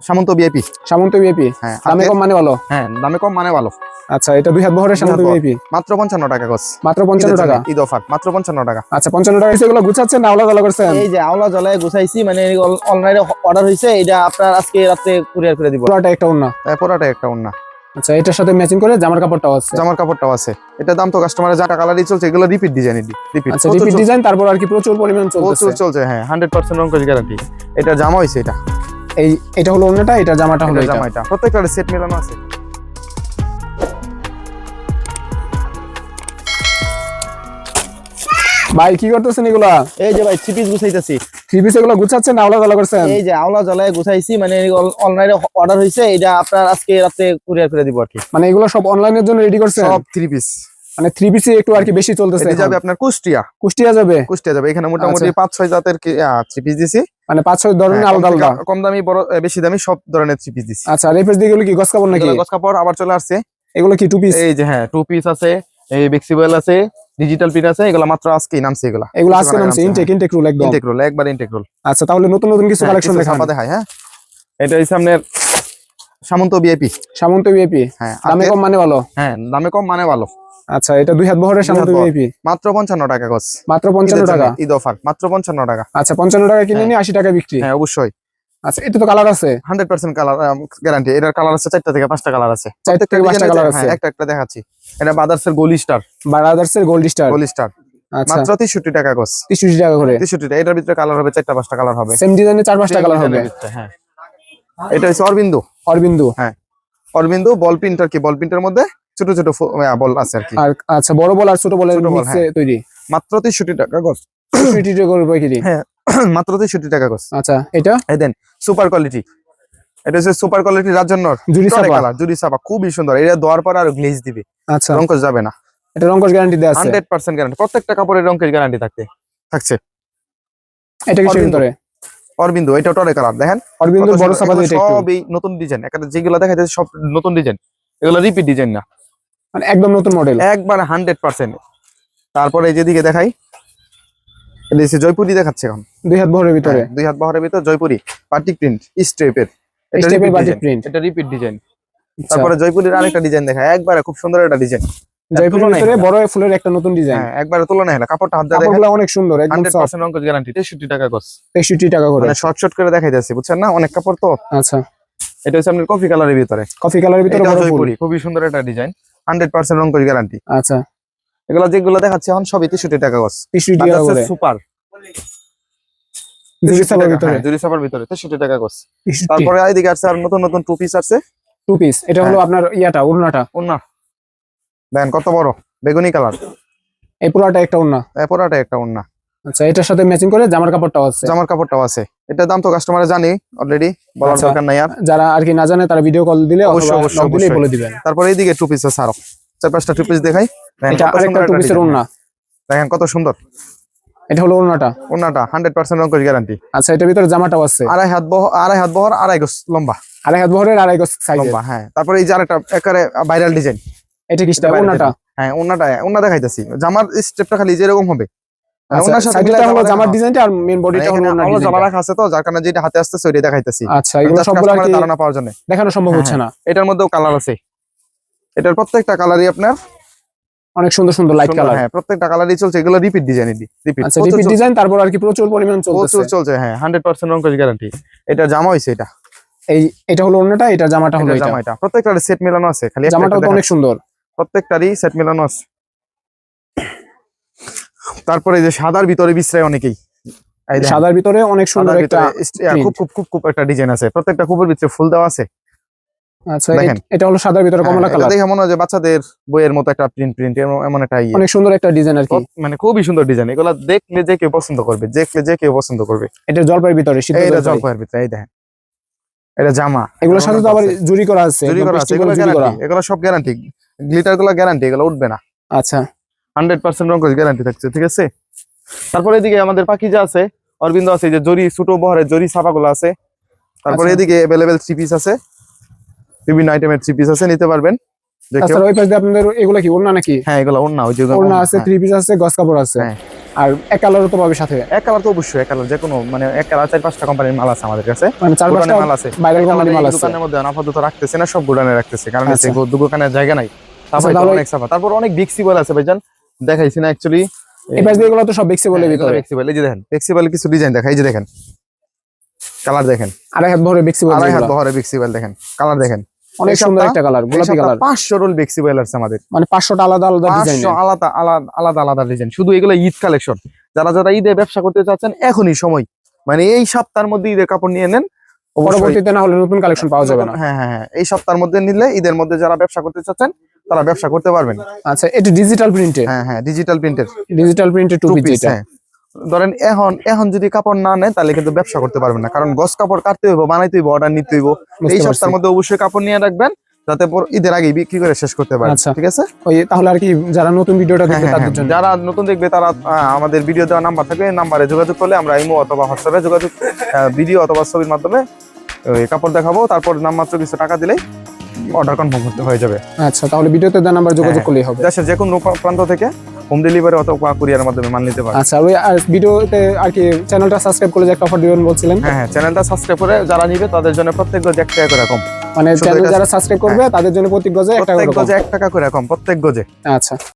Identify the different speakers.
Speaker 1: সামন্ত VIP.
Speaker 2: সামন্ত VIP,
Speaker 1: হ্যাঁ
Speaker 2: দামে কম মানে ভালো।
Speaker 1: হ্যাঁ দামে কম মানে ভালো।
Speaker 2: আচ্ছা, এটা 2 হাত বহরের সামন্ত ভিআইপি,
Speaker 1: মাত্র 55 টাকা গস।
Speaker 2: মাত্র 55 টাকা
Speaker 1: ঈদ অফার, মাত্র 55 টাকা।
Speaker 2: আচ্ছা, 55 টাকা এগুলো গুছাচ্ছেন না আলাদা আলাদা করছেন?
Speaker 3: এই যে আওলা জলায় গুছাইছি, মানে অনলাইনে অর্ডার হইছে, এটা আপনার আজকে রাতে কুরিয়ার করে দিব।
Speaker 2: পুরোটা একটা ওন্না?
Speaker 1: পুরোটা একটা ওন্না।
Speaker 2: আচ্ছা, এটার সাথে ম্যাচিং করে জামার কাপড়টাও আছে?
Speaker 1: জামার কাপড়টাও আছে। এটা দাম তো কাস্টমারের যা কালারই চলছে, এগুলো রিপিট ডিজাইন। রিপিট,
Speaker 2: আচ্ছা, রিপিট ডিজাইন, তারপর আর কি প্রচুর পরিমাণ চলছে?
Speaker 1: প্রচুর চলছে, হ্যাঁ 100% রং গ্যারান্টি। এটা জামা হইছে,
Speaker 2: এটা হলো ওন্নাটা, এটা জামাটা হলো এটা।
Speaker 1: জামাটা প্রত্যেকটা সেট মেলানো আছে।
Speaker 2: ভাই কি করতেছেন এগুলা?
Speaker 3: এই যে ভাই থ্রি পিস গুছাইতেছি।
Speaker 2: থ্রি পিস এগুলো গুছাচ্ছেন না আলাদা আলাদা করছেন?
Speaker 3: এই যে আওলা জলায় গুছাইছি, মানে অনলাইনে অর্ডার হইছে, এটা আপনার আজকে রাতে কুরিয়ার করে দিব আর কি।
Speaker 2: মানে এগুলো সব অনলাইনের জন্য রেডি করছেন?
Speaker 1: সব থ্রি পিস,
Speaker 2: মানে থ্রি পিসে একটু আর কি বেশি চলতেছে।
Speaker 1: এটা যাবে আপনার কুষ্টিয়া।
Speaker 2: কুষ্টিয়া যাবে?
Speaker 1: কুষ্টিয়া যাবে। এখানে মোটামুটি 5-6 জাতের থ্রি পিস দিছি,
Speaker 2: মানে 5-6 ধরনের আলাদা আলাদা,
Speaker 1: কম দামি বড় বেশি দামি সব ধরনের থ্রি পিস দিছি।
Speaker 2: আচ্ছা, আর এই পাশ দিয়ে এগুলো কি গস কাপড় নাকি?
Speaker 1: গস কাপড় আবার চলে আসছে।
Speaker 2: এগুলো কি টু পিস?
Speaker 1: এই যে হ্যাঁ টু পিস আছে, এই ফ্লেক্সিবল আছে, ডিজিটাল প্রিন্ট আছে। এগুলো মাত্র আজকেই নামছে।
Speaker 2: এগুলো আজকে নামছে, ইনটেক রুল একদম।
Speaker 1: ইনটেক রুল, একবার ইনটেক রুল।
Speaker 2: আচ্ছা, তাহলে নতুন নতুন কিছু কালেকশন দেখান।
Speaker 1: দেখাই। হ্যাঁ, এটা হচ্ছে আপনার সামন্ত ভিআইপি।
Speaker 2: সামন্ত ভিআইপি,
Speaker 1: হ্যাঁ
Speaker 2: দামে কম মানে ভালো।
Speaker 1: হ্যাঁ দামে কম মানে ভালো।
Speaker 2: আচ্ছা, এটা 2 হাত বহরের সামন্ত ভিআইপি,
Speaker 1: মাত্র 55 টাকা গস।
Speaker 2: মাত্র 55 টাকা
Speaker 1: ঈদ অফার, মাত্র 55 টাকা।
Speaker 2: আচ্ছা, 55 টাকা কিনে নিয়ে 80 টাকা বিক্রি?
Speaker 1: হ্যাঁ অবশ্যই।
Speaker 2: আচ্ছা, এটা তো কালার আছে?
Speaker 1: 100% কালার গ্যারান্টি। এটার কালার আছে 4টা থেকে 5টা কালার আছে।
Speaker 2: 4 থেকে 5টা কালার আছে।
Speaker 1: হ্যাঁ, একটা দেখাচ্ছি। এটা বাদার্সের গোল্ড স্টার।
Speaker 2: বারাদার্সের গোল্ড স্টার।
Speaker 1: গোল্ড স্টার
Speaker 2: আচ্ছা,
Speaker 1: মাত্র 63 টাকা গস।
Speaker 2: 63 টাকা করে?
Speaker 1: 63 টাকা। এটার ভিতরে কালার হবে 4টা 5টা কালার হবে।
Speaker 2: সেম ডিজাইনে 4-5টা কালার হবে?
Speaker 1: হ্যাঁ, এটা হচ্ছে অরবিন্দু।
Speaker 2: অরবিন্দু,
Speaker 1: হ্যাঁ অরবিন্দু বল প্রিন্ট আর কি। বল প্রিন্টের মধ্যে ছোট ছোট বল আছে আর কি।
Speaker 2: আর আচ্ছা, বড় বল আর ছোট বলের মিক্সে তৈরি।
Speaker 1: মাত্র 63 টাকা গস।
Speaker 2: 63 টাকা করে বিক্রি?
Speaker 1: হ্যাঁ মাত্র 63 টাকা গস।
Speaker 2: আচ্ছা, এটা
Speaker 1: এই দেন সুপার কোয়ালিটি। এটা হচ্ছে সুপার কোয়ালিটি রাজন্নর
Speaker 2: জুরি সাপা
Speaker 1: কালার। জুরি সাপা খুবই সুন্দর। এটা দেওয়ার পর আর গ্লেজ দিবে।
Speaker 2: আচ্ছা,
Speaker 1: রংকশ যাবে না।
Speaker 2: এটা রংকশ গ্যারান্টি দেয়া আছে?
Speaker 1: 100% গ্যারান্টি। প্রত্যেকটা কাপড়ের রংকশ গ্যারান্টি থাকছে।
Speaker 2: এটা কিসের ভিতরে?
Speaker 1: অরবিন্দু। এটা টরে কালার দেখেন।
Speaker 2: অরবিন্দুর বড় সাপা যেটা একটু
Speaker 1: সবই নতুন ডিজাইন। একটা যেগুলো দেখাইতেছে সব নতুন ডিজাইন, এগুলো রিপিট ডিজাইন না,
Speaker 2: মানে একদম নতুন মডেল,
Speaker 1: একবার 100%। তারপরে এই যেদিকে দেখাই, এটা হচ্ছে জয়পুরি দেখাচ্ছে এখন।
Speaker 2: 2 হাত বহরের ভিতরে?
Speaker 1: 2 হাত বহরের ভিতর জয়পুরি বাটিক প্রিন্ট স্টেপের। এটা
Speaker 2: স্টেপের
Speaker 1: রিপিট
Speaker 2: বাটিক
Speaker 1: ডিজাইন,
Speaker 2: প্রিন্ট।
Speaker 1: এটা রিপিট ডিজাইন। তারপরে জয়পুরির আরেকটা ডিজাইন দেখায়, একবারে খুব সুন্দর একটা ডিজাইন।
Speaker 2: জয়পুরের ভিতরে বড় ফুলের একটা নতুন ডিজাইন।
Speaker 1: হ্যাঁ একবারে তুলনা হলো। কাপড়টা হাত দিয়ে দেখেন,
Speaker 2: কাপড়গুলো অনেক সুন্দর, একদম সফট।
Speaker 1: 100% রংকশ গ্যারান্টি। 63 টাকা গস।
Speaker 2: 63 টাকা করে?
Speaker 1: মানে শর্ট করে দেখাইতেছি, বুঝছেন না, অনেক কাপড় তো।
Speaker 2: আচ্ছা,
Speaker 1: এটা হচ্ছে আপনার কফি কালারের ভিতরে।
Speaker 2: কফি কালারের ভিতরে বড় ফুল,
Speaker 1: জয়পুরি খুবই সুন্দর একটা ডিজাইন। 100% রংকশ গ্যারান্টি।
Speaker 2: আচ্ছা,
Speaker 1: এগুলো যেগুলো দেখাচ্ছে এখন সবই 63 টাকা গস।
Speaker 2: 63 টাকা করে?
Speaker 1: সুপার
Speaker 2: জুরি সাপার ভিতরে?
Speaker 1: জুরি সাপার ভিতরে 63 টাকা গস।
Speaker 2: 63।
Speaker 1: তারপরে এইদিকে আছে আর নতুন নতুন টু পিস আছে।
Speaker 2: টু পিস, এটা হলো আপনার ইয়াটা ওড়নাটা?
Speaker 1: ওড়না দেখেন কত বড় বেগুনি কালার।
Speaker 2: এই পুরোটা একটা ওড়না?
Speaker 1: পুরোটা একটা ওড়না।
Speaker 2: আচ্ছা, এটার সাথে ম্যাচিং করে জামার কাপড়টাও আছে?
Speaker 1: জামার কাপড়টাও আছে। এটা দাম তো কাস্টমারে জানি অলরেডি, বলার দরকার নাই আর।
Speaker 2: যারা আর কি না জানে তারা ভিডিও কল দিলে
Speaker 1: অবশ্যই
Speaker 2: অবশ্যই বলে দিবেন।
Speaker 1: তারপরে এইদিকে টু পিস আছে আরো 4-5টা টু পিস দেখাই।
Speaker 2: এটা আরেকটা টু পিসের ওড়না,
Speaker 1: দেখেন কত সুন্দর।
Speaker 2: এটা হলো ওড়নাটা?
Speaker 1: ওড়নাটা 100% রংকশ গ্যারান্টি।
Speaker 2: আচ্ছা, এটার ভিতরে জামাটাও আছে?
Speaker 1: 2.5 হাত বহর 2.5 গজ লম্বা।
Speaker 2: 2.5 হাত বহরের 2.5 গজ সাইজ
Speaker 1: লম্বা। হ্যাঁ তারপরে এই যে আরেকটা একেবারে ভাইরাল ডিজাইন।
Speaker 2: এটা কিসটা? ওড়নাটা?
Speaker 1: হ্যাঁ ওড়না দেখাইতেছি। জামার স্টেপটা খালি যেরকম হবে,
Speaker 2: ওড়নার সাথে সাইডটা হলো জামার ডিজাইনটা আর মেইন বডিটা হলো ওড়নার ডিজাইন।
Speaker 1: জামা রাখা আছে তো, যার কারণে যেটা হাতে আসছে ওইটাই দেখাইতেছি।
Speaker 2: আচ্ছা, এগুলো সবগুলো কি
Speaker 1: ধারণা পাওয়ার জন্য
Speaker 2: দেখানো সম্ভব হচ্ছে না?
Speaker 1: এটার মধ্যেও কালার আছে। এটার প্রত্যেকটা কালারই আপনার
Speaker 2: অনেক সুন্দর সুন্দর লাইট কালার।
Speaker 1: হ্যাঁ প্রত্যেকটা কালারই চলছে। এগুলো রিপিট ডিজাইন। রিপিট,
Speaker 2: আচ্ছা, রিপিট ডিজাইন। তারপর আর কি প্রচুর পরিমাণ
Speaker 1: চলছে। হ্যাঁ 100% রংকশ গ্যারান্টি। এটা জামা হইছে।
Speaker 2: এটা হলো ওড়নাটা, এটা জামাটা হলো এটা।
Speaker 1: জামাটা প্রত্যেকটা সেট মেলানো আছে। খালি
Speaker 2: জামাটাও তো অনেক সুন্দর,
Speaker 1: প্রত্যেকটারই সেট মেলানো আছে। তারপরে এই যে সাদার ভিতরে বিশ্রায় অনেকেই।
Speaker 2: সাদার ভিতরে অনেক সুন্দর একটা
Speaker 1: খুব একটা ডিজাইন আছে। প্রত্যেকটা খুবের ভিতরে ফুল দেওয়া আছে।
Speaker 2: আচ্ছা, এটা হলো সাদার ভিতরে কমলা কালার।
Speaker 1: দেখে মনে হয় যে বাচ্চাদের বইয়ের মতো একটা প্রিন্ট এমন একটা
Speaker 2: অনেক সুন্দর একটা ডিজাইন আর কি,
Speaker 1: মানে খুবই সুন্দর ডিজাইন। এগুলো দেখলে যে কেউ পছন্দ করবে।
Speaker 2: এটা জলপাইয়ের ভিতরে,
Speaker 1: এটা জলপাইয়ের ভিতরে। এই দেখেন এটা জামা।
Speaker 2: এগুলোর সাথে তো আবার জুরি করা আছে?
Speaker 1: এগুলো সব গ্যারান্টি। গ্লিটার গুলো গ্যারান্টি, এগুলো উঠবে না।
Speaker 2: আচ্ছা,
Speaker 1: 100% রংকশ গ্যারান্টি থাকছে। ঠিক আছে। তারপরে এদিকে আমাদের পাকিজা আছে, অরবিন্দু আছে, যে জরি ছোট বহরের জরি ছাপাগুলো আছে। তারপরে এদিকে अवेलेबल থ্রি পিস আছে, বিভিন্ন আইটেমের থ্রি পিস আছে, নিতে পারবেন।
Speaker 2: আচ্ছা, ওই পাশে আপনাদের এগুলা কি ওড়না নাকি?
Speaker 1: হ্যাঁ এগুলো ওড়না। ওই যে
Speaker 2: ওড়না আছে, থ্রি পিস আছে, গস কাপড় আছে।
Speaker 1: হ্যাঁ
Speaker 2: আর এক কালারও তো পাবে সাথে,
Speaker 1: এক কালার তো অবশ্যই, এক কালার যে কোনো মানে এক কালার 4-5টা কোম্পানির মাল আছে আমাদের কাছে,
Speaker 2: মানে 4-5টা
Speaker 1: গোডাউনে মাল আছে,
Speaker 2: ভাইরাল কোম্পানির মাল
Speaker 1: এই
Speaker 2: আছে।
Speaker 1: দোকানের মধ্যে আপাতত রাখতেছে না, সব গোডাউনে রাখতেছে, কারণ
Speaker 2: আচ্ছা।
Speaker 1: দোকানের জায়গা নাই। তারপর
Speaker 2: তাহলে
Speaker 1: অনেক সাফা, তারপর অনেক ফ্লেক্সিবল আছে ভাইজান, দেখাইছি না অ্যাকচুয়ালি।
Speaker 2: এই পাশ দিয়ে এগুলো তো সব ফ্লেক্সিবলের ভিতরে,
Speaker 1: ফ্লেক্সিবল, এই যে দেখেন ফ্লেক্সিবল কিছু ডিজাইন দেখা, এই যে দেখেন কালার দেখেন,
Speaker 2: আড়াই হাত ভরে ফ্লেক্সিবল,
Speaker 1: আড়াই হাত বহরে ফ্লেক্সিবল দেখেন, কালার দেখেন,
Speaker 2: অনেক সুন্দর একটা কালার, গোলাপি কালার।
Speaker 1: 500 রোল ফ্লেক্সিবল আছে আমাদের,
Speaker 2: মানে 500টা আলাদা আলাদা ডিজাইন।
Speaker 1: 500 আলাদা আলাদা আলাদা ডিজাইন, শুধু এগুলো ঈদ কালেকশন। যারা যারা ঈদে ব্যবসা করতে চাচ্ছেন এখনই সময়, মানে এই সপ্তাহের মধ্যে ঈদের কাপড় নিয়ে নেন,
Speaker 2: পরবর্তীতে না হলে নতুন কালেকশন পাওয়া যাবে না।
Speaker 1: হ্যাঁ হ্যাঁ হ্যাঁ, এই সপ্তাহের মধ্যে নিলে ঈদের মধ্যে যারা ব্যবসা করতে চাচ্ছেন তারা ব্যবসা করতে পারবেন।
Speaker 2: আচ্ছা, এটা ডিজিটাল প্রিন্টে,
Speaker 1: হ্যাঁ হ্যাঁ, ডিজিটাল প্রিন্টের
Speaker 2: ডিজিটাল প্রিন্টে টু পিস এটা।
Speaker 1: হ্যাঁ, ধরেন এখন যদি কাপড় না নেয় তাহলে কিন্তু ব্যবসা করতে পারবেন না, কারণ গস কাপড় কাটতে হইব, বানাইতে হইব, অর্ডার নিতে হইব। এই সপ্তাহের মধ্যে অবশ্যই কাপড় নিয়ে রাখবেন যাতে ঈদের আগে বিক্রি করে শেষ করতে পারেন।
Speaker 2: আচ্ছা।
Speaker 1: ঠিক আছে,
Speaker 2: ওই তাহলে আর কি যারা নতুন ভিডিওটা দেখবে তাদের জন্য,
Speaker 1: যারা নতুন দেখবে তারা আমাদের ভিডিও দেওয়া নাম্বার থাকবে, এই নাম্বারে যোগাযোগ করলে আমরা ইমো অথবা হোয়াটসঅ্যাপে যোগাযোগ, ভিডিও অথবা ছবির মাধ্যমে ওই কাপড় দেখাবো, তারপর নামমাত্র কিছু টাকা দিলেই অর্ডার কনফার্ম করতে হয়ে যাবে।
Speaker 2: আচ্ছা, তাহলে ভিডিওতে দেওয়া নাম্বার যোগাযোগ করলেই হবে।
Speaker 1: দেশের যে কোনো প্রান্ত থেকে হোম ডেলিভারি অথবা কুরিয়ারের মাধ্যমে মাল নিতে পারবে।
Speaker 2: আচ্ছা, ওই আর ভিডিওতে আর কি চ্যানেলটা সাবস্ক্রাইব করে যে একটা অফার দিবেন বলছিলেন।
Speaker 1: হ্যাঁ হ্যাঁ, চ্যানেলটা সাবস্ক্রাইব করে যারা নিবে তাদের জন্য প্রত্যেক গজে 1 টাকা করে কম,
Speaker 2: মানে চ্যানেল যারা সাবস্ক্রাইব করবে তাদের জন্য প্রতি গজে 1 টাকা
Speaker 1: প্রত্যেক
Speaker 2: করে কম।
Speaker 1: গজে 1 টাকা করে কম, প্রত্যেক গজে।
Speaker 2: আচ্ছা।